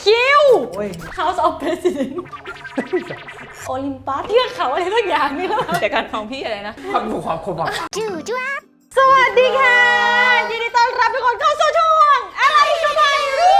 คิวโอ้ย House of President โอลิมปัสเทือกเขาอะไรสักอย่างนี่แล้วเดี๋ยวกันของพี่อะไรนะความถูกความคมอ่ะสวัสดีค่ะยินดีต้อนรับทุกคนเข้าสู่ช่วงอะไรก็ไม่รู้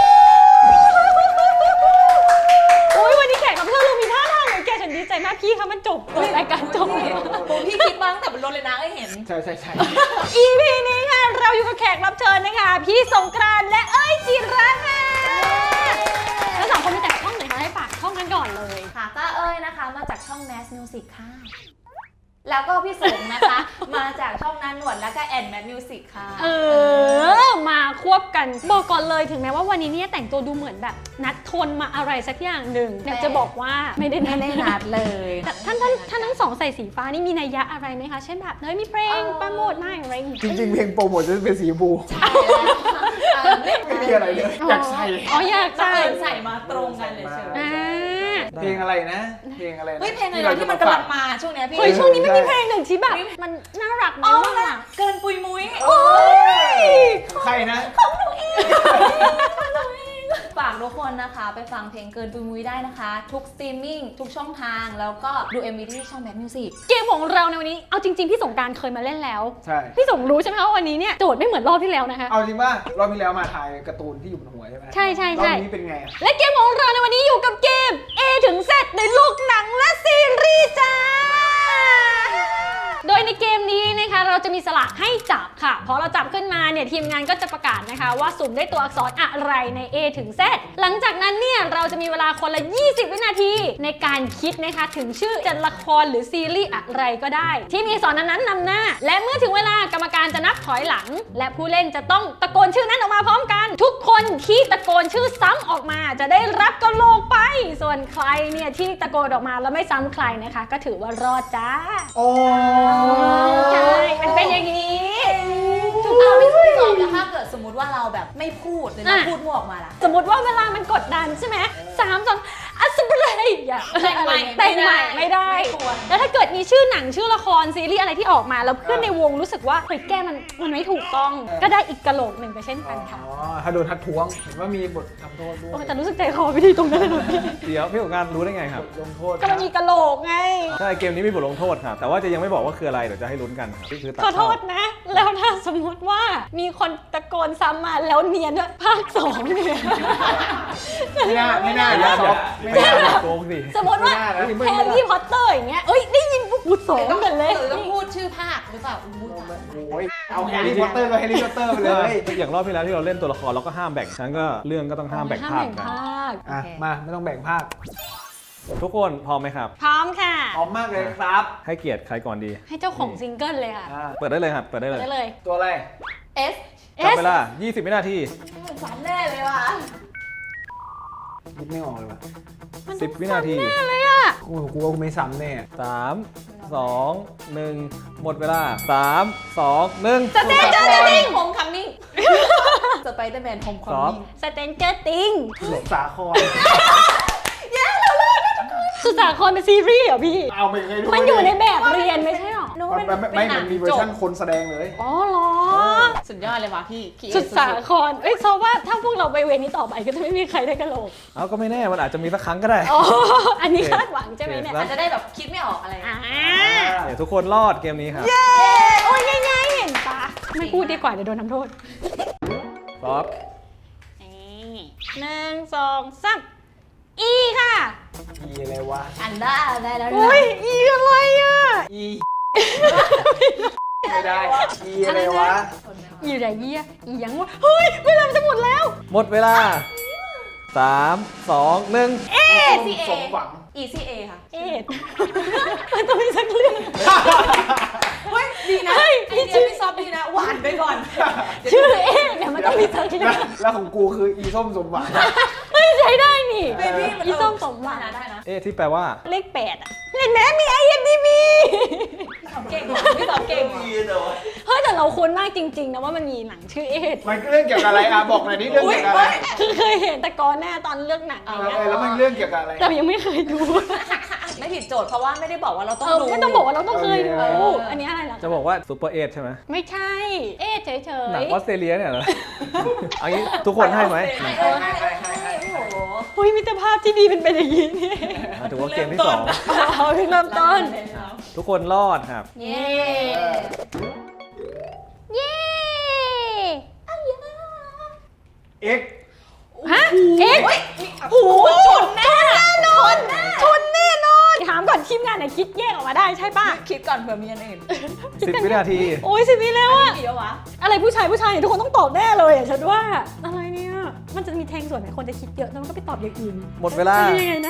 โอ้ยวันนี้แขกรับเชิญเรามีท่าทางเหมือนแกฉันดีใจมากพี่คะมันจบรายการจบแล้วพี่คิดบ้างแต่บนรถเลยนะเห็นใช่ EP นี้ค่ะเราอยู่กับแขกรับเชิญนะคะพี่สงกรานต์และเอ้ยจิระค่ะทั้งสองคนมีแต่ช่องไหนคะให้ฝากช่องกันก่อนเลยค่ะก็เอ้ยนะคะมาจากช่อง Mass Music ค่ะแล้วก็พี่สงนะคะ มาจากช่องนันหนวดแล้วก็แอนแมทมิวสิกค่ะมาควบกันบอกก่อนเลยถึงแม้ว่าวันนี้เนี่ยแต่งตัวดูเหมือนแบบนัดทนมาอะไรสักอย่างหนึ่งอยากจะบอกว่าไม่ได้นัดเลยแต่ท่านทั้งสองใส่สีฟ้านี่มีนัยยะอะไรไหมคะเช่นแบบเฮ้ยมีเพลงโปรโมทมาอะไรอย่างงี้จริงๆเพลงโปรโมทจะเป็นสีชมพูไม่มีอะไรเลยอยากใส่อ๋ออยากใส่ใส่มาตรงกันเลยเชียวเพลงอะไรนะเพลงอะไรนะเฮ้ยเพลงอะไรที่มันกำลังมาช่วงนี้พี่เฮ้ยช่วงนี้ไม่มีเพลงหนึ่งที่แบบมันน่ารักอ๋อมากเกินปุยมุ้ยโอ้ยใครนะฝากทุกคนนะคะไปฟังเพลงเกินปุยมุ้ยได้นะคะทุกสตรีมมิ่งทุกช่องทางแล้วก็ดู MV ที่ช่อง Mass Music เกมของเราในวันนี้เอาจริงๆพี่สงกรานต์เคยมาเล่นแล้วใช่พี่สงรู้ใช่ไหมว่าวันนี้เนี่ยโจทย์ไม่เหมือนรอบที่แล้วนะคะเอาจริงป่ะรอบที่แล้วมาถ่ายการ์ตูนที่อยู่บนหัวใช่ไหมใช่รอบนี้เป็นไงและเกมของเราในวันนี้อยู่กับเกม A ถึง Z ในลูกหนังและซีรีส์จ้า โดยในเกมนี้นะคะเราจะมีสลากให้จับค่ะพอเราจับขึ้นมาเนี่ยทีมงานก็จะประกาศนะคะว่าสุ่มได้ตัวอักษรอะไรใน A ถึง Z หลังจากนั้นเนี่ยเราจะมีเวลาคนละ 20 วินาทีในการคิดนะคะถึงชื่อจะละครหรือซีรีส์อะไรก็ได้ ที่มีอักษรนั้นนำหน้า และเมื่อถึงเวลากรรมการจะนับถอยหลัง และผู้เล่นจะต้องตะโกนชื่อนั้นออกมาพร้อมกัน ทุกคนที่ตะโกนชื่อซ้ำออกมาจะได้รับกะโหลกไป ส่วนใครเนี่ยที่ตะโกนออกมาแล้วไม่ซ้ำใครนะคะ ก็ถือว่ารอดจ้าโอ้ใช่มันเป็นอย่างนี้เอาพี่สองแล้วถ้าเกิดสมมติว่าเราแบบไม่พูดเลยนะพูดมั่วออกมาล่ะสมมติว่าเวลามันกดดันใช่ไหม3 2อัสเบรย์อย่าแต่งใหม่แต่งใหม่ไม่ได้ไม่ควรแล้วถ้าเกิดมีชื่อหนังชื่อละครซีรีส์อะไรที่ออกมาแล้วเพื่อนในวงรู้สึกว่าเฮ้ยแกมันไม่ถูกต้อง ก็ได้อีกกะโหลกหนึ่งไปเช่นกันค่ะถ้าโดนทัดท้วงเห็นว่ามีบททำโทษด้วโอ้ยแต่รู้สึกใจคอไม่ดีตรงนั้นเลยเดี๋ยวพี่สงกรานต์รู้ได้ไงครับบทลงโทษก็มันมีกะโหลกไงใช่เกมนี้มีบทลงโทษครับแต่ว่าจะยังไม่บอกว่าคืออะไรเดี๋ยวจะให้ลุ้นกันครับนี่คือตัดขอโทเข้าษนะ แล้วถ้าสมมติว่ามีคนตะโกนซ้ำมาแล้วเนียนว่าภาค2เนี่ยไม่น่าไม่ไม่น่าน่าอย่าไม่ไม่น่าน่าโกงสิสมมติว่าไม่แฮน่าร์รี่พอตเตอร์อย่างเงี้ยเอ้ยได้ยินปุ๊บพูดสองกันเลยหรือต้องพูดชื่อภาคหรือเปล่าอู้ตายโอ้ยเอาแฮร์รี่พอตเตอร์ก็แฮร์รี่พอตเตอร์ไปเลยอย่างรอบที่แล้วที่เราเล่นตัวละครเราก็ห้ามแบ่งฉะนันก็เรื่องก็ต้องห้ามแบ่งภาคกันอ่ะมาไม่ต้องแบ่งภาคทุกคนพร้อมไหมครับพร้อมค่ะพร้อมมากเลยครับให้เกียรติใครก่อนดีให้เจ้าของซิงเกิลเลยค่ะเปิดได้เลยครับเปิดได้เลยได้เลยตัวอะไร S จับเวลา20 วินาทีฝันแน่เลยว่ะคิดไม่ออกเลยว่ะ 10 วินาทีอะไรอ่ะกูว่ากูไม่ซ้ำแน่ 3 2 1 หมดเวลา 3 2 1 สเตนเจอร์ติงโฮมคัมมิ่งสไปเดอร์แมนโฮมคัมมิ่งสเตนเจอร์ติงหลงสาครสุสาครเป็นซีรีส์เหรอพี่เอาไม่เคยดูมันอยู่ในแบบเรียนไม่ใช่หรอมันมีเวอร์ชันคนแสดงเลยอ๋อเหรอสุดยอดเลยว่ะพี่สุดสาครเอ้ยเพราะว่าถ้าพวกเราไปเวรนี้ต่อไปก็จะไม่มีใครได้กะโหลกเอาก็ไม่แน่มันอาจจะมีสักครั้งก็ได้อ๋อ อันนี้คาดหวังใช่ไหมเนี่ยโอเคอาจจะได้แบบคิดไม่ออกอะไรอ่าเดี๋ยวทุกคนรอดเกมนี้ครับโอ้ยง่ายๆเห็นปะไม่พูดดีกว่าเดี๋ยวโดนทำโทษพร้อม 1 2 3อีค่ะอีอะไรวะอันได้แล้วอุ้ยอีอะไรอ่ะอีไม่ได้อีอะไรวะอีไรเยี่ยอียังวะเฮ้ยเวลามันจะหมดแล้วหมดเวลา 3 2 1 สมหวัง ECA ค่ะเอ็ดมันต้องมีสักเรื่องเฮ้ยดีนะเฮ้ยไอเดียพี่ซอฟดีนะหวานไปก่อนชื่อเอ็ดเนี่ยมันต้องมีสักเรื่องแล้วของกูคืออีส้มสมหวังเฮ้ยใช้ได้นี่เบบี้มันอีส้มสมหวังได้นะที่แปลว่าเลข8อ่ะเห็นไหมมี IMDb เก่งพี่ซอฟเก่งเฮ้ยแต่เราคุ้นมากจริงๆนะว่ามันมีหนังชื่อเอ็ดมันเรื่องเกี่ยวกับอะไรอ่ะบอกหน่อยนี่เรื่องเกี่ยวกับอะไรคือเคยเห็นแต่ก่อนหน้าตอนเลือกหนังอะไรเงี้ยแล้วมันเรื่องเกี่ยวกับอะไรแต่ยังไม่เคยดูไม่ผิดโจทย์เพราะว่าไม่ได้บอกว่าเราต้องดูไม่ต้องบอกว่าเราต้องเคยดูเอออันนี้อะไรเหรอจะบอกว่าซูเปอร์เอทใช่ไหมไม่ใช่ เอ็ดเฉยหนังออสเตรเลียเนี่ยเหรอ เอางี้ทุกคนให้ไหมให้โอ้โหเฮ้ยมิตรภาพที่ดีเป็นอย่างนี้นี่ถือว่าเกมที่สองเอาเพิ่งเริ่มต้นทุกคนรอดครับเย้เย้เอ็กฮะเอ็กโอ้โหชนแน่นอนชนแน่นอนถามก่อนทีมงานไหนคิดแยกออกมาได้ใช่ป่ะคิดก่อนเผื่อมีอันอื่น 10 วินาทีโอ้ย10 วิแล้วอะเดี๋ยววะอะไรผู้ชายเนี่ยทุกคนต้องตอบแน่เลยอะฉันว่าอะไรเนี่ยมันจะมีแทงส่วนไหนคนจะคิดเยอะแล้วมันก็ไปตอบอย่างอื่นหมดเวลาจะยังไงนะ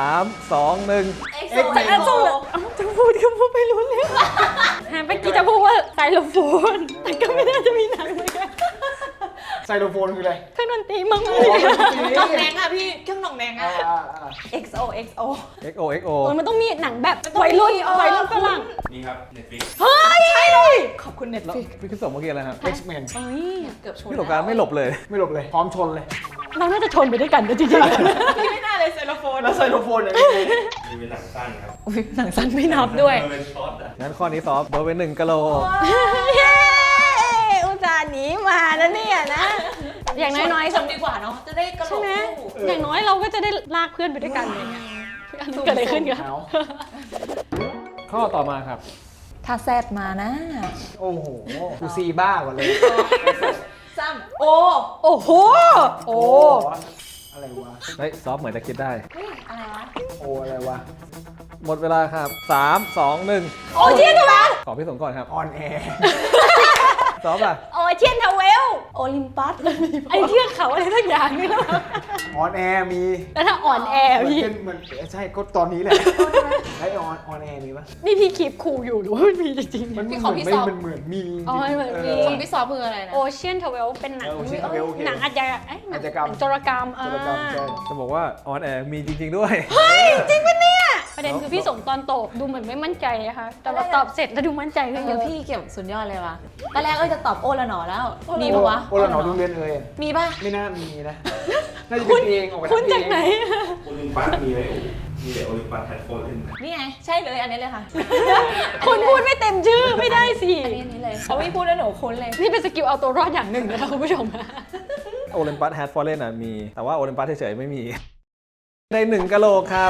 3 2 1 เอ็กเอ็กโซแมนเอ็กโซเอ้าจะพูดก็พูดไม่รู้เรื่องเมื่อกี้จะพูดว่าไซโลโฟนแต่ก็ไม่น่าจะมีหนังเหมือนกันไซโลโฟนคืออะไรเครื่องดนตรีมั้งเลยหน่องแดงอะพี่เครื่องหน่องแดงอ่าอะอ่า XO XO XO XO โอ้ยมันต้องมีหนังแบบวัยรุ่นฝรั่งนี่ครับ Netflix เฮ้ยใช่เลยขอบคุณเน็ตแล้วฟิกพี่คิดส่งเมื่อกี้อะไรครับเอ็กซ์แมนเฮ้ยเกือบชนพี่สงกรารไม่หลบเลยไม่หลบเลย พร้อมชนเลยเราน่าจะชนไปด้วยกันนะจริงพี่ไม่น่าเลยเซลโฟนแล้วไซโลโฟนอย่างนี้นี่เป็นหนังสั้นครับอุ้ยหนังสั้นๆไม่นับด้วยมันเป็นช็อตอ่ะงั้นข้อนี้ซอฟโดนไป1กิโลเย้อุตส่าห์หนีมาแล้วเนี่ยนะ อย่างน้อยๆชนดีกว่าเนาะจะได้กระโหลใช่กไหมคู่อย่างน้อยเราก็จะได้ลากเพื่อนไปด้วยกันอะไรเงี้ยเกิดอะไรขึ้นกันเอาข้อต่อมาครับถ้าแซดมานะโอ้โหกูซีบ้ากว่าเลยซ้ำโอโอ้โห โอ้อะไรวะเฮ้ยซอฟเหมือนจะคิดได้เฮ้ยอะไรวะโอ้อะไรวะหมดเวลาครับ 3 2 1 โอเชียนทาวเวลขอพี่สงก่อนครับออนแอร์ซอฟอ่ะโอเชียนทาวเวลโอลิมปัสไอเทือกเขาอะไรสักอย่างนี่แล้วออนแอร์มีแล้วถ้าอ่อนแอเหมือนพี่เป็นเหมือนใช่ก็ตอนนี้แหละไอออนแอร์มีปะนี่พี่คีบคูลอยู่หรือว่ามันมีจริงมันพี่เหขอมือนพี่ไม่สอบมันเหมือนมีอ๋อเหมือนมีของพี่ซอฟคืออะไรนะโอเชียนทาวเวลเป็นหนัง Ocean Twavel โอเคหนังอาชญากรรมเอ้ยหนังอาชญากรรมโจรกรรมโจรกรรมใช่จะบอกว่าออนแอร์มีจริง ๆ ด้วยจริงปะเนี่ย ประเด็นคือพี่สมตอนตอบดูเหมือนไม่มั่นใจนะคะแต่ว่าตอบเสร็จแล้วดูมั่นใจขึ้นเยเดี๋ยวอะพี่เก็บสุดยอดเลยวะตอนแรกจะตอบโอละหนอแล้ว มีปะวะโอละหนอโรงเรียนเอ่ยมีปะไม่น่ามีนะน่าจะเป็นเองออกมาคุณทำเอจากงไหนโอลิมปัสมีไหมมีแต่โอลิมปัสแพลตฟอร์มเล่นนี่ไง ใช่เลยอันนี้เลยค่ะคุณพูดไม่เต็มชื่อไม่ได้สิอันนี้เลยเขาไม่พูดแล้วหนูคุ้นเลยนี่เป็นสกิลเอาตัวรอดอย่างหนึ่งนะคะคุณผู้ชมโอลิมปัสแฮดฟอร์เรนอ่ะมี แต่ว่าโอลิมปัสเฉยๆไม่มี ใน1กิโลครับ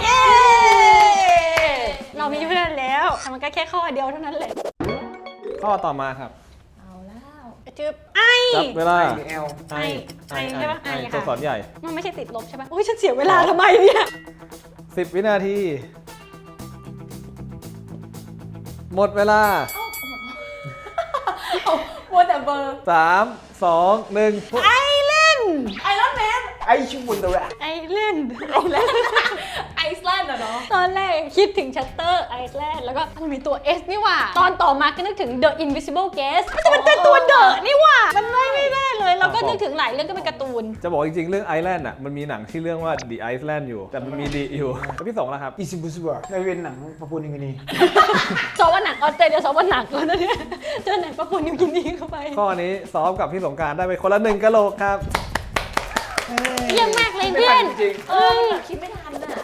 เรามีเพื่อนแล้วแต่มันก็แค่ข้อเดียวเท่านั้นแหละข้อต่อมาครับเอาแล้วจืบไอจับเวลาไอเอลไอใช่ปะไอค่ะตัวสอนใหญ่มันไม่ใช่ติดลบใช่ปะโอ้ยฉันเสียเวลาทำไมเนี่ย 10 วินาที หมดเวลามัวแต่เบอร์ 3 2 1 ไอเล่นไอรอนแมนไอชูบุนตัวแไอเล่นไอซ์แลนด์เหรอตอนแรกคิดถึงชัตเตอร์ไอซ์แลนด์แล้วก็มันมีตัว S นี่หว่า ตอนต่อมาก็นึกถึง The Invisible Guest มันเป็นตัวเดอะนี่หว่า มันไม่ได้เลย แล้วก็นึกถึงหลายเรื่องก็เป็นการ์ตูนจะบอกจริงๆ เรื่องไอแลนด์อ่ะ มันมีหนังที่เรื่องว่า The Iceland อยู่ แต่มันมีดีอยู่แล้วพี่สงแล้วครับอีซิบุสเบอร์ได้เป็นหนังปะปูนิวกินีซอวันหนักออสเตรเลียซอวันหนักแล้วนะเนี่ยเจอหนังปะปนนิวกินีเข้าไปข้อนี้ซ้อมกับพี่สงกรารได้ไปคนละ1กิโลครับเยี่ยมมากเลยเพื่อนจริงคิดไม่ทันอ่ะ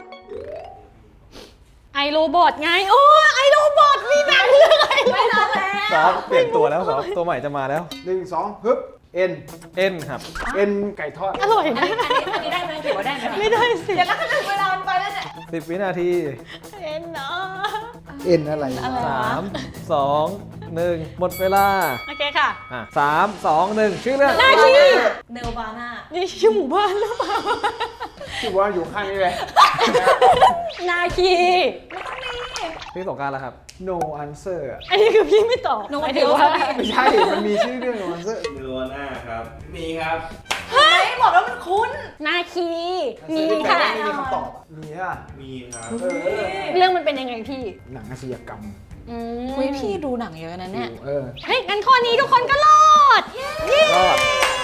ไอโรบอทไง โอ้ไอโรบอทมีหนังเรื่องไอโรไม่บอทัทนแล้วซ้อมเปลี่ยนตัวแล้วซ้อมตัวใหม่จะมาแล้ว 1 2ฮึบเอ็น N ครับเอ็นไก่ทอดอร่อยอันนะนี้ได้ไหมถือว่าได้ไหมไม่ได้สิเดี๋ยวแล้วก็ถึงเวลามันไปแล้วเนี่ย 10 วินาทีเอ็นเนาะเอ็นอะไรอะไรวะ 3 2 1 หมดเวลาโอเคค่ะ 3 2 1 ชื่อเรื่องหน้าที่เนลบาน่านี่ชื่อหมู่บ้านหรือเปล่าที่ว่าอยู่ข้างนี้เลยนาคีพี่สงกรารแล้วครับ no answer อะอันนี้คือพี่ไม่ตอบหมายถึงว่าไม่ใช่ มันมีชื่อเรื่อง no answer เนื้อหน้าครับ มีครับไม่บอกแล้วมันคุ้นนาคีมีแต่ค่ะไม่มีคำตอบอะมีอ่ะมีครับเรื่องมันเป็นยังไงพี่หนังอาชญากรรมคุยพี่ดูหนังเยอะนะเนี่ยเฮ้ยงั้นข้อนี้ทุกคนก็รอดเย้รอด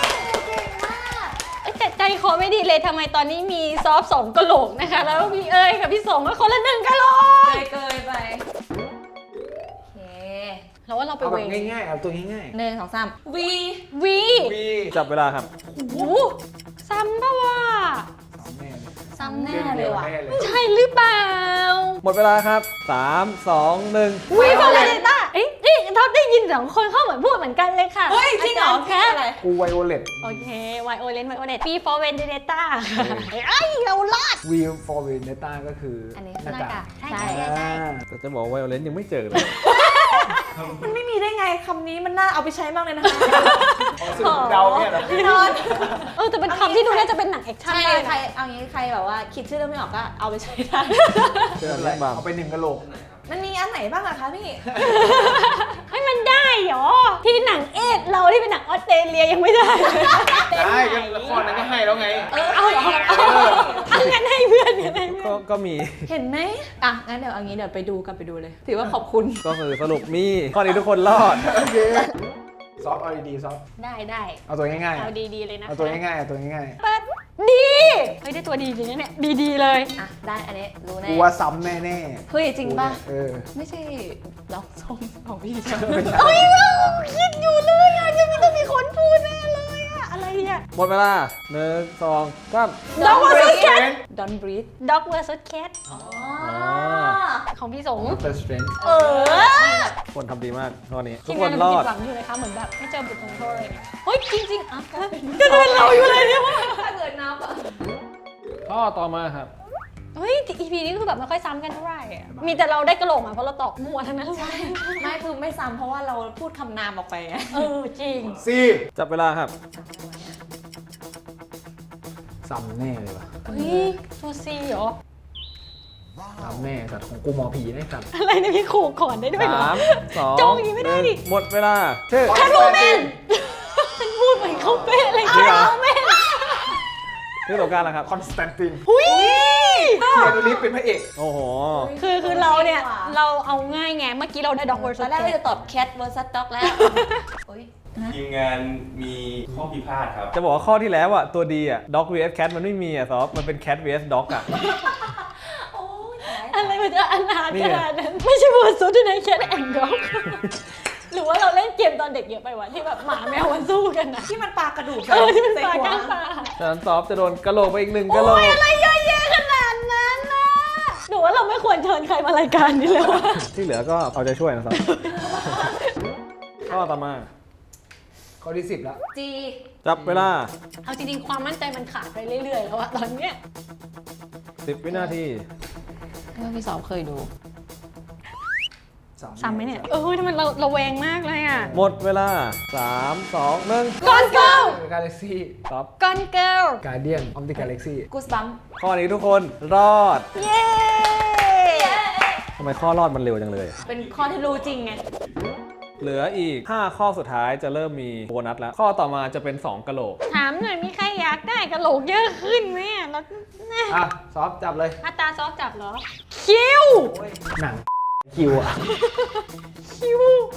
แต่ใจคอไม่ดีเลยทำไมตอนนี้มีซอฟสองกะโหลกนะคะ แล้วพี่เอ๋ยกับพี่สงก็คนละ1กะโหลกเกยไปโอเคแล้วว่าเราไปเอาแบเวบงง่ายๆ เอาตัวง่าย 1 2 3 วีวีๆวีจับเวลาครับโอ้โหซ้ำปะวะแน่เลยซ้ำแน่เลยว่ะแน่เลยใช่หรือเปล่าหมดเวลาครับ 3 2 1 วีฟอร์เรต้าเอ้ยท็อปได้ยิน2 คนเขาเหมือนพูดเหมือนกันเลยค่ะเฮ้ยจริงเหรออาจาย์แคทอะไรกูไวโอเลตโอเคไวโอเลนP for Vendetta ไอ้เราลอดวีฟอร์เวนเนต้าก็คืออันนี้หน้ากากใช่ใช่แต่จะบอกว่าไวโอเลนยังไม่เจอเลยมันไม่มีได้ไงคำนี้มันน่าเอาไปใช้มากเลยนะคะสื่อเดาเนี่ยเหรอแน่นอนแต่เป็นคำที่ดูน่าจะเป็นหนังแอคชั่นใช่ได้ใครนะเอางี้ใครแบบว่าคิดชื่อเรื่องไม่ออกก็เอาไปใช้ได้เจออะไรบ้างเอาไป1กะโหลกมันมีอันไหนบ้างอะคะพี่ให้มันได้เหรอ ที่หนังเอ็ดเราที่เป็นหนังออสเตรเลียยังไม่ได้เลยได้ก็ละครนั้นก็ให้แล้วไงเอาเหรอเอางั้นให้เพื่อนกันให้เพื่อนก็มีเห็นไหมอ่ะงั้นเดี๋ยวเอางี้เดี๋ยวไปดูกันไปดูเลย ถือว่าขอบคุณก็คือสรุปมีข้อนี้ทุกคนรอดโอเคซอฟเอาดีๆซอฟได้เอาตัวง่ายเอาดีๆเลยนะๆเอาตัวง่ายๆเอาตัวง่ายเปิดดีเฮ้ยได้ตัวดีจริงนะเนี่ยดีๆเลยอ่ะได้อันนี้รู้ๆแน่กูว่าซ้ำแน่เฮ้ยจริงป่ะเออไม่ใช่ล็อกส้มของพี่ใช่ไหมไม่ใช่เฮ้ยเราคิดอยู่เลยอ่ะจะมีต้องมีคนพูดแน่เลยอ่ะอะไรอ่ะหมดเวลา1 2 3 Dog vs Cat Don't breathe Dog vs Cat อ๋อของพี่สงเตอร์สเตรนจ์คนทำดีมากข้อนี้ ทุทีกมคงานนเรารอผิดดหวังอยู่เลยค่ะเหมือนแบบไม่เจอบทลงโทษอะไรเงี้ยเฮ้ยจริงๆอ่ะก็เป็นเราอยู่เลยเนี่ยว่าถ้าเกิดนับอ่ะข้อต่อมาครับเฮ้ย EP นี้คือแบบไม่ค่อยซ้ำกันเท่าไหร่อะมีแต่เราได้กระโหลกมาเพราะเราตอบมั่วทั้งนั้นเลยไม่คือไม่ซ้ำเพราะว่าเราพูดคำนามออกไปไงจริงซีจับเวลาครับซ้ำแน่เลยว่ะเฮ้ยซูซีเหรอซ้ำแน่สัตว์ของกูหมอผีไอ้สัตว์อะไรเนี่ยพี่ขู่ก่อนได้ด้วยเหรอ 3 2 โจงอย่างนี้ไม่ได้ดิหมดเวลาชื่อแคทโรแมนฉันพูดเหมือนเขาเป๊ะเลยแคทโรแมนชื่อตัวการแล้วครับคอนสแตนตินหุ้ยเคียนูรีฟเป็นพระเอกโอ้โหคือเราเนี่ย เราเอาง่ายไง เมื่อกี้เราได้ด็อกเวอร์ตซัอนสแรกแคเราทจะตอบ cat vs dog แล้วอุ๊ยทีมงานมีข้อพิพาทครับจะบอกว่าข้อที่แล้วอ่ะ ตัวดีอ่ะ dog vs cat มันไม่มีอ่ะซอฟมันเป็น cat vs dog อ่ะโอ้ยตายอะไรมันจะอนาถนี่ขไงนาดนั้น ไม่ใช่เวอร์ซัสด้วยนะแคทแอนด์ด็อกหรือว่าเราเล่นเกมตอนเด็กเยอะไปวะที่แบบหมาแมวมันสู้กันนะที่มันปลากระดูกที่มันใส่ปลาหัวก้างปลาฉะนั้นซอฟจะโดนกระโหลกไปอีก1กระโหลกอะไรเยอะแยะขนาดนั้นนะหนูว่าเราไม่ควรเชิญใครมารายการนี้แล้วอะที่เหลือก็เอาใจช่วยนะซอฟ ข้อต่อมาข้อที่10แล้วจีจับเวลาเอาจริงๆความมั่นใจมันขาดไปเรื่อยๆแล้วอะตอนเนี้ย 10 วินาทีเมื่อพี่สอบเคยดูซ้ำไหมเนี่ยทำไมเราระแวงมากเลยอะหมดเวลา 3 2 1 ก่อนเกิลกาแล็กซี่ซอฟก่อนเกิลการเดียนออมติกาแล็กซี่กูสบัมข้อนี้ทุกคนรอดเย้ทำไมข้อรอดมันเร็วจังเลยเป็นข้อที่รู้จริงไงเหลืออีก 5 ข้อสุดท้ายจะเริ่มมีโบนัสแล้ว ข้อต่อมาจะเป็น 2กะโหลกถามหน่อยมีใครอยากได้กระโหลกเยอะขึ้นไหมอะแล้วอ่ะ ซอฟจับเลยอัตราซอฟจับเหรอ คิวหนังคิวอ่ะคิว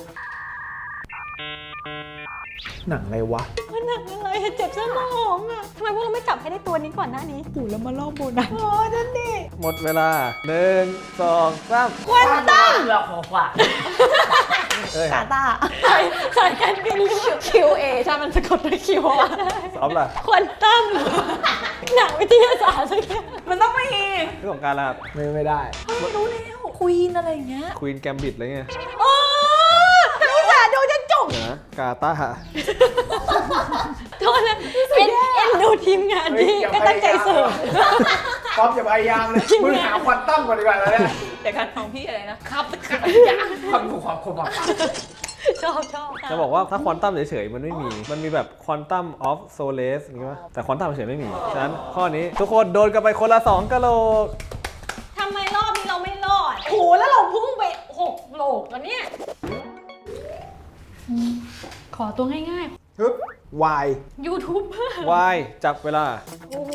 หนังอะไรวะมันหนักอะไรอะเจ็บสมองอะทำไมพวกเราไม่จับให้ได้ตัวนี้ก่อนหน้านี้ปู่แล้วมาล่อโบนัสโอ้นั่นดิหมดเวลา 1 2 3 ควันตัมเราขอฝากเอ้ยกาตาสายการบิน QA ใช่มันสะกดด้วยคิวอะซอฟล่ะควันตัมหนังวิทยาศาสตร์สักอย่างมันต้องมีเรื่องของการละไม่ได้ไม่รู้แล้วควีนอะไรอย่างเงี้ยควีนแกมบิดอะไรเงี้ยโอ้แต่อุตส่าห์ดูจะจบเดี๋ยวนะกาตาร์โทษนะเอ็นดูทีมงานที่เฮ้ยอย่าก็ตั้งใจเสิร์ฟซอฟอย่าพยายามเลย มึงหาควันตั้มก่อนดีกว่าแล้วเนี่ยเดี๋ยวกันของพี่อะไรนะครับความถูกความคมอ่ะชอบจะบอกว่าถ้าควอนตัมเฉยๆมันไม่มี มันมีแบบควอนตัมออฟโซเลสอย่างงี้ป่ะแต่ควอนตัมเฉยๆไม่มี ฉะนั้นข้อนี้ทุกคนโดนกันไปคนละ2กะโหลกทำไมรอบนี้เราไม่รอดโหแล้วเราพุ่งไป6โหลกแล้วเนี่ยขอตัวง่ายฮึบวายๆ YouTube วายจับเวลาโอ้โห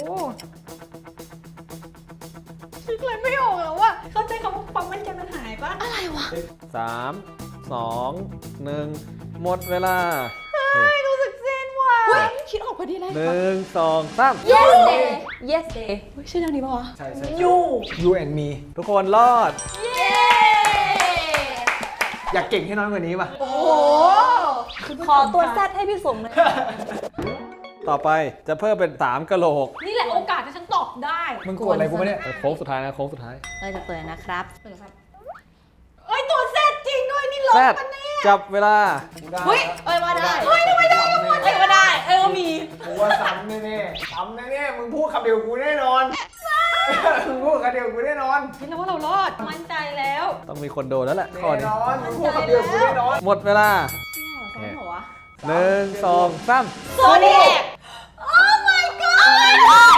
คิดอะไรไม่ออกแล้วว่าเข้าใจคำว่าความมั่นใจมันหายปะอะไรวะ 3 2 1 หมดเวลาไม่รู้สึกเซนว่ะคิดออกพอดีเลย 1 2 3 Yes Day Yes Day เฮ้ยชื่อแนวนี้ปะวะใช่ใช่ยู You and me ทุกคนรอดเย้อยากเก่งให้น้อยกว่านี้ป่ะโอ้โหขอตัวแซดให้พี่สมเลยต่อไปจะเพิ่มเป็น3กะโหลกนี่แหละโอกาสที่ฉันตอบได้มึงกดอะไรกูไม่เนี่ยโค้งสุดท้ายนะโค้งสุดท้ายเราจะเปิดนะครับเอ้ยตัวเซตจริงด้วยนี่ลบแซดปะเนี่ยจับเวลาเฮ้ยเอ้ยว่าได้เฮ้ยทำไมได้เอ้ยว่าได้เอ้ยว่ามีกูว่าซ้ำแน่ๆซ้ำแน่ๆมึงพูดคำเดียวกูแน่นอน มึงพูดคำเดียวกูแน่นอนคิดแล้วว่าเรารอด มั่นใจแล้วต้องมีคนโดนแล้วแหละข้อแน่นี้นอนมึงพูดคำเดียวกูแน่นอนหมดเวลาซ้อมเหรอวะ 1 2 3 โซเดียก Oh my god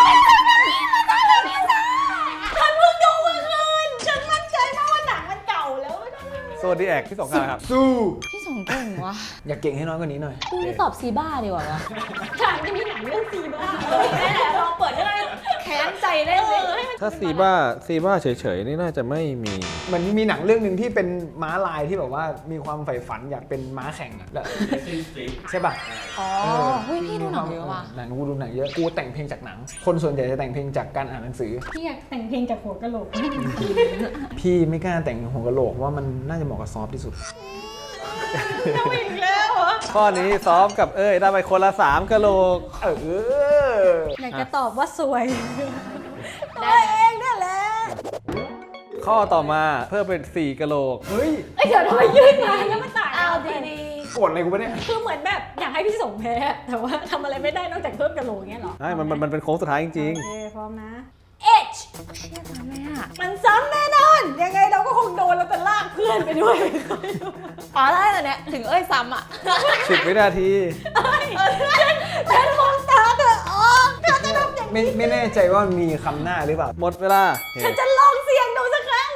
ฉันเพิ่งดูเมื่อคืนฉันมั่นใจมากว่าหนังมันเก่าแล้วไม่ต้องโซดีแอกที่สงกรานต์ครับสู้พี่สงเก่งวะอย่าเก่งให้น้อยกว่านี้หน่อยพี่ตอบซีบ้าดีกว่าวะฉันจะมีหนังเรื่องซีบ้านั่นแหละลองเปิดก็ได้แค้นใจเล่นเลยถ้าซีบ้าเฉยๆนี่น่าจะไม่มีมันมีหนังเรื่องหนึ่งที่เป็นม้าลายที่แบบว่ามีความใฝ่ฝันอยากเป็นม้าแข่งอะแล้ว Racing Street ใช่ป่ะอ๋อเฮ้ยพี่ดูหนังเยอะว่ะหนังกูดูหนังเยอะ กูแต่งเพลงจากหนัง คนส่วนใหญ่จะแต่งเพลงจากการอ่านหนังสือพี่อยากแต่งเพลงจากหัวกะโหลกพี่ไม่กล้าแต่งหัวกะโหลกเพราะว่ามันน่าจะเหมาะกับซอฟต์ที่สุดอีกแล้วเหรอข้อนี้ซ้อมกับได้ไปคนละ3กะโหลกเอออยากจะตอบว่าสวยตัวเองนั่นแหละข้อต่อมาเพิ่มเป็น4กะโหลกเฮ้ยเอ้ยเดี๋ยวทำไมยืดมาแล้วมันต่างเอาดีโกรธอะไรกูปะเนี่ยคือเหมือนแบบอยากให้พี่สงแพ้ แต่ว่าทำอะไรไม่ได้นอกจากเพิ่มกะโหลกเงี้ยเหรอใช่มันเป็นโค้งสุดท้ายจริงโอเคพร้อมนะ H ๆเชี่ยทำไมอ่ะมันซ้ำแน่นอน ยังไงเราก็คงโดนเราจะลากเพื่อนไปด้วยอ๋อได้แต่เนี้ยถึงเอ้ยซ้ำอ่ะๆ10 วินาทีแต่มองตาเธอออกเธอจะทำอย่างไม่แน่ใจว่ามีคำหน้าหรือเปล่าหมดเวลาโอเคฉันจะลองเสี่ยงดูสักครั้ง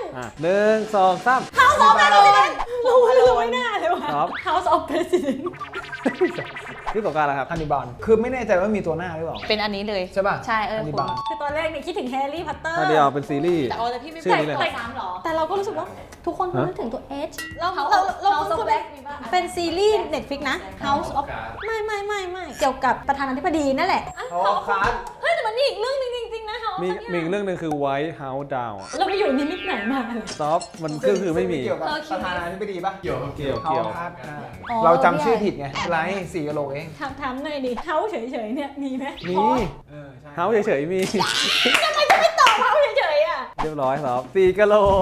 1 2 3 House of President รู้ไม่น่าเลยว่ะครับ House of President ที่สงกรานต์นะครับฮันนิบาลคือไม่แน่ใจว่ามีตัวหน้าหรือเปล่าเป็นอันนี้เลยใช่ป่ะใช่เออฮันนิบาลคือตอนแรกเนี่ยคิดถึงแฮร์รี่พอตเตอร์ถ้าเดียวเป็นซีรีส์แต่แต่พี่ไม่ชื่อนี้เลยซ้ำหรอแต่เราก็รู้สึกว่าทุกคนนึกถึงตัว H เรา House of Black มีป่ะเป็นซีรีส์ Netflix นะ House of ไม่เกี่ยวกับประธานาธิบดีนั่นแหละอ๋อคาร์ดเฮ้ยแต่มันมีอีกเรื่องหนึงจริงๆนะ House มีเนี่ยอีกเรื่องหนึ่งคือ White House Down อะเราไปอยู่นิมิตไหนมาเลยซอฟมันคือไม่มีเกี่ยวกับประธานาธิบดีป่ะเกี่ยวครับเกี่ยวเขาคาร์ดเราจำชื่อผิดไงไลท์4กะโหลกเองถามหน่อยดิ House เฉยๆเนี่ยมีไหมมีเออใช่เฮาเฉยๆมีทำไมจะไม่ตอบ House เฉยๆอ่ะเรียบร้อยซอฟ4กะโหลก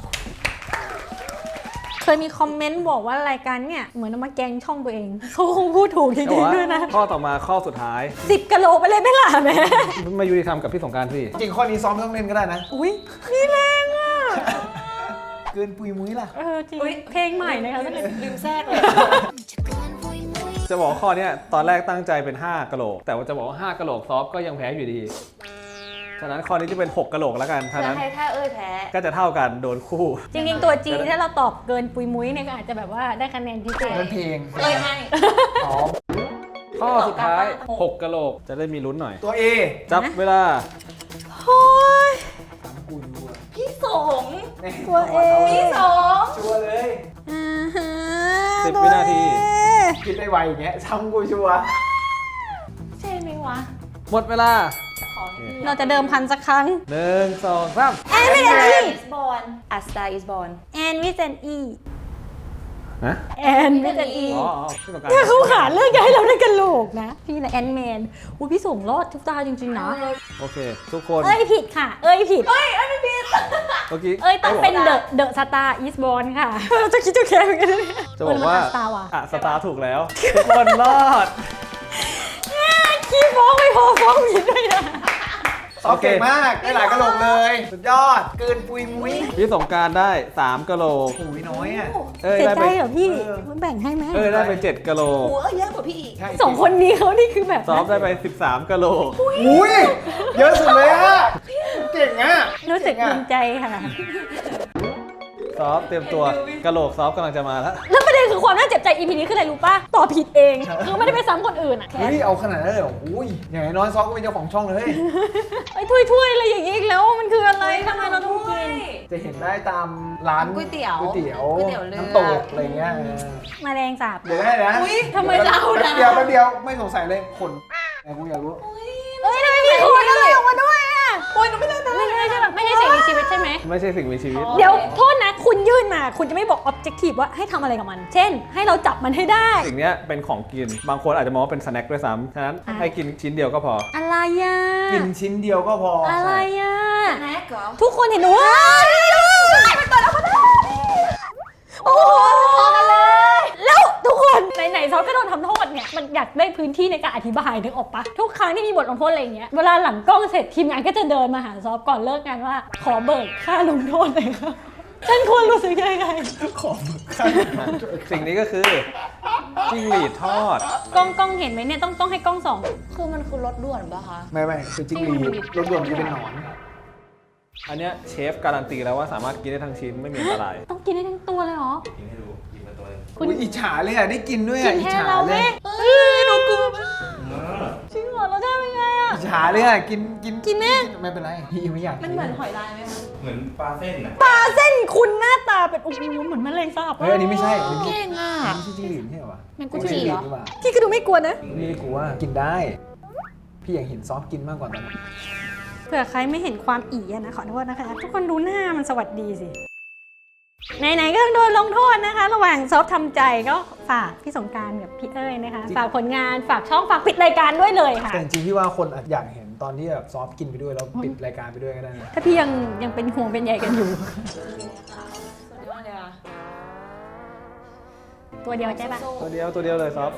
เคยมีคอมเมนต์บอกว่ารายการเนี่ยเหมือนเอามาแกล้งช่องตัวเอง เขาคงพูดถูกจริงๆด้วยนะข้อต่อมาข้อสุดท้าย 10กะโหลไปเลยไหม่ล่ะแม่มายุติธรรมกับพี่สงกรานต์สิจริงข้อนี้ซ้อมไม่ต้องเล่นก็ได้นะอุ้ยนี่แรงอ่ะเกินปุยมุ้ยล่ะจริงเพลงใหม่นะคะลืมแทรกเลยจะบอกว่าข้อเนี้ยตอนแรกตั้งใจเป็น5กะโหลก แต่ว่าจะบอกว่า5กะโหลกซอฟก็ยังแพ้อยู่ดี ฉะนั้นข้อนี้จะเป็น6กะโหลกแล้วกันฉะนั้นถ้าเอ้ยแพ้ก็จะเท่ากันโดนคู่จริงๆตัวจีถ้าเราตอบเกินปุยมุ้ยเนี่ยก็อาจจะแบบว่าได้คะแนนพิเศษเป็นเพลงเอ้ยให้อ๋อข้อสุดท้าย6กะโหลกจะได้มีลุ้นหน่อยตัว A จับเวลาโอ้ยถามกูดูอะพี่สงตัวเอพี่สงชัวร์เลย 10 วินาทีคิดได้ไวอย่างเงี้ยซ้ำกูชัวร์ใช่ไหมวะหมดเวลาของพี่เราจะเดิมพันสักครั้ง 1 2 3 แอนวิเซนอี is born A star is born แอนวิเซนอีฮะแอนวิเซนอีอ๋อพี่สงกรานเนี่ยต์เขาหาเรื่องจะให้เราได้กันโหลกนะ พี่นะแอนแมนอุ้ยพี่ส่งรอดทุกตาจริงๆนะโอเค ทุกคนเอ้ยผิดค่ะ เอ้ยผิดเมื่อกี้เอ้ยต้องเป็นเดอะสตาร์อีสบอลค่ะ เราจะคิดจะแค่เหมือนกันเลยจะบอกว่าสตาร์ว่ะสตาร์ถูกแล้ว ทุกคนรอดขี้ฟ้องไม่พอฟ้องผิดด้วยนะซอฟเก่งมาก ได้หลายกะโหลกเลย สุดยอด เกินปุยมุ้ยพี่สงกรานต์ได้3กะโหลกโอ้ยน้อยอ่ะเอ้ยเสียได้ใจไปเหรอพี่มันแบ่งให้ไหมได้ไป7กะโหลกหัวเยอะกว่าพี่อีกใช่สองคนนี้เขานี่คือแบบซอฟได้ไป13กะโหลกอุ้ย เยอะสุดเลยอ่ะ เก่งอ่ะรู้สึกภูมิใจค่ะซอฟเตรียมตัวกะโหลกซอฟกำลังจะมาแล้วแล้วประเด็นคือความน่าเจ็บใจ EP นี้คืออะไรรู้ป่ะตอบผิดเอง คือไม่ได้ไปซ้ำคนอื่นอ่ะเฮ้ย เอาขนาดนั้นเลยเหรออุ้ย อย่างน้อยซอฟก็เป็นเจ้าของช่องเลยไอ้ถ้วยๆอะไรอย่างงี้อีกแล้วมันคืออะไรทำไมเราต้องกินจะเห็นได้ตามร้านก๋วยเตี๋ยวก๋วยเตี๋ยวก๋วยเตี๋ยวเรือน้ำตกอะไรเงี้ยแมาแรงสาบเดี๋ยวได้นะทำไมจะเอาแป๊นะบเดียวแป๊บเดียวไม่สงสัยเลยขนแต่กูอยากรู้เอ้ยทำไมมีคนอะไรออกมาด้วยอ่ะโอ้ยไม่ใช่แบบไม่ใช่สิ่งมีชีวิตใช่ไหมไม่ใช่สิ่งมีชีวิตเดี๋ยวโทษนะคุณยื่นมาคุณจะไม่บอก objective ว่าให้ทำอะไรกับมัน เช่น ให้เราจับมันให้ได้สิ่งเนี้ยเป็นของกิน บางคนอาจจะมองว่าเป็นสแน็คด้วยซ้ำฉะนั้นให้กินชิ้นเดียวก็พออะไรอ่ะกินชิ้นเดียวก็พออะไรอ่ะแม็กเหรอทุกคนเห็นว่ามันเปิดออกมาได้โอ้โหพอกันเลยนๆซอฟก็โดนทำโทษเนี่ยมันอยากได้พื้นที่ในการอธิบายนึกออกปะทุกครั้งที่มีบทลงโทษอะไรอย่างเงี้ยเวลาหลังกล้องเสร็จทีมงานก็จะเดินมาหาซอฟก่อนเลิกงานว่าขอเบิกค่าลงโทษเลยค่ะฉันควรรู้สึกยังไงขอมึงข้างสิ่งนี้ก็คือจิ้งหรีดทอดกล้องเห็นไหมเนี่ยต้องให้กล้องส่องคือมันคือรถด่วนปะคะไม่คือจิ้งหรีดรถด่วนมันจะเป็นหนอนอันเนี้ยเชฟการันตีแล้วว่าสามารถกินได้ทั้งชิ้นไม่มีอันตรายต้องกินได้ทั้งตัวเลยเหรอกินให้ดูกินมาตัวหนึงคุณอุ๊ยอิจฉาเลยอ่ะได้กินด้วยกิอ่ะนอิจแทนฉาเราไหเลมยเฮ้ยหนูกลัวอ่าจริงเหรอเราได้เป็นไงอ่ะอิจฉาเลยอ่ะกินกินไหมไม่เป็นไรพี่ไม่อยากมันเหมือนหอยลายไหมคะเหมือนปลาเส้นน่ะปลาเส้นคุณหน้าตาเป็นโอ้โหเหมือนแมลงสาบเฮ้ยอันนี้ไม่ใช่อันนี้เก่งอ่ะไม่ใช่จิ้งหรีดใช่เหรอวะแมงกุจิเหรอจิ้งนี่หว่าพี่ก็ดูไม่กลัวนะไม่ได้กลัวกินได้ พี่อยากเห็นซอฟกินมากกว่านั้นเผื่อใครไม่เห็นความอีอะนะขอโทษนะคะ ทุกคนดูหน้ามันสวัสดีสิไหนๆก็ต้องโดนลงโทษนะคะ ระหว่างซอฟทำใจก็ฝากพี่สงกรานต์กับพี่เอ้ยนะคะฝากผลงานฝากช่องฝากปิดรายการด้วยเลยค่ะแต่จริงๆพี่ว่าคนอาจอยากเห็นตอนที่แบบซอฟกินไปด้วยแล้วปิดรายการไปด้วยก็ได้นะถ้าพี่ยังเป็นห่วงเป็นใยกันอยู่สุดยอดเลยอ่ะตัวเดียวใช่ปะตัวเดียวเลยซอฟ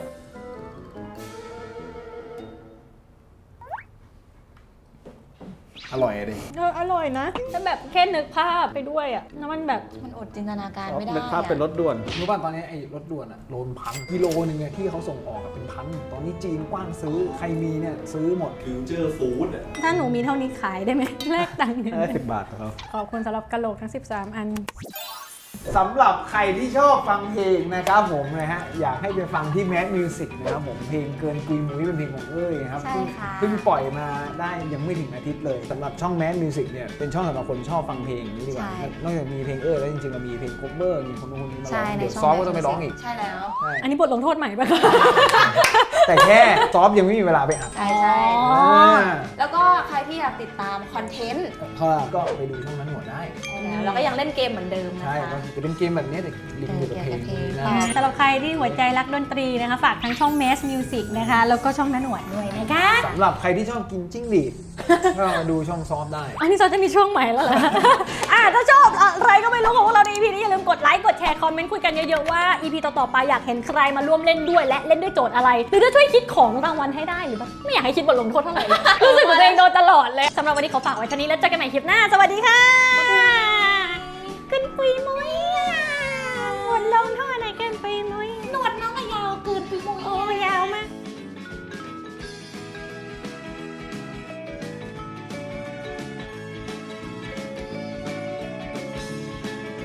อร่อยเลยอร่อยนะแต่แบบแค่นึกภาพไปด้วยอะแล้วมันแบบมันอดจินตนาการซอฟไม่ได้เป็นภาพเป็นรถด่วนรู้ป่ะตอนนี้ไอ้รถด่วนอะโล1,000กิโลนึงเนี่ยที่เขาส่งออกอะเป็นพันตอนนี้จีนกว้านซื้อใครมีเนี่ยซื้อหมดฟิวเจอร์ฟู้ดอ่ะถ้าหนูมีเท่านี้ขายได้ไหมแลกตังค์กันได้10 บาทครับขอบคุณสำหรับกะโหลกทั้ง 13 อันสำหรับใครที่ชอบฟังเพลงนะครับผมนะฮะอยากให้ไปฟังที่ Mad Music นะครับผมเพลงเกินกุยมุ้ยเป็นเพลงของเอ้ยครับใช่ค่ะเพิ่งปล่อยมาได้ยังไม่ถึงอาทิตย์เลยสำหรับช่อง Mad Music เนี่ยเป็นช่องสำหรับคนชอบฟังเพลงอย่างนี้ดีกว่าใช่นอกจากมีเพลงเอ้ยแล้วจริงๆเรามีเพลง cover มีคนนู้นคนนี้มาร้ใช่องในเดี๋ยวช่องซอฟก็ต้องไปร้องอีกใช่แล้วใช่อันนี้บทลงโทษใหม่ปะคะแต่แค่ซอฟยังไม่มีเวลาไปอัดใช่อ๋อแล้วก็ใครที่อยากติดตามคอนเทนต์ก็ไปดูช่องนั้นหัวได้แล้วก็ยังเล่นเกมเหมือนเดิมนะใช่คะก็จะเป็นเกมแบบนี้แต่ลิงก์อยู่กับเพลงนี้นะสำหรับใครที่หัวใจรักดนตรีนะคะ ฝากทั้งช่อง Mass Music นะคะ แล้วก็ช่องน้าหนวดด้วยนะคะสำหรับใครที่ชอบกินจิ้งหรีด ก็มาดูช่องซอฟได้อันนี้เราจะมีช่วงใหม่แล้วเหรอ ถ้าชอบอะไรก็ไม่รู้ของพวกเราใน EP นี้อย่าลืมกดไลค์กดแชร์คอมเมนต์คุยกันเยอะๆว่า EP ต่อๆไปอยากเห็นใครมาร่วมเล่นด้วยและเล่นด้วยโจทย์อะไร หรือจะช่วยคิดของรางวัลให้ได้หรือแบบไม่อยากให้คิดบทลงโทษเท่าไหร่เลย รู้สึกเหมือนตัวเองโดนตลอดเลยสำหรับวันนี้ขอฝากไว้เท่านี้แล้วเจอกันใหม่คลิปหน้าสวัสดีค่ะขึ้นปุยมุ้ยบทลงโทษ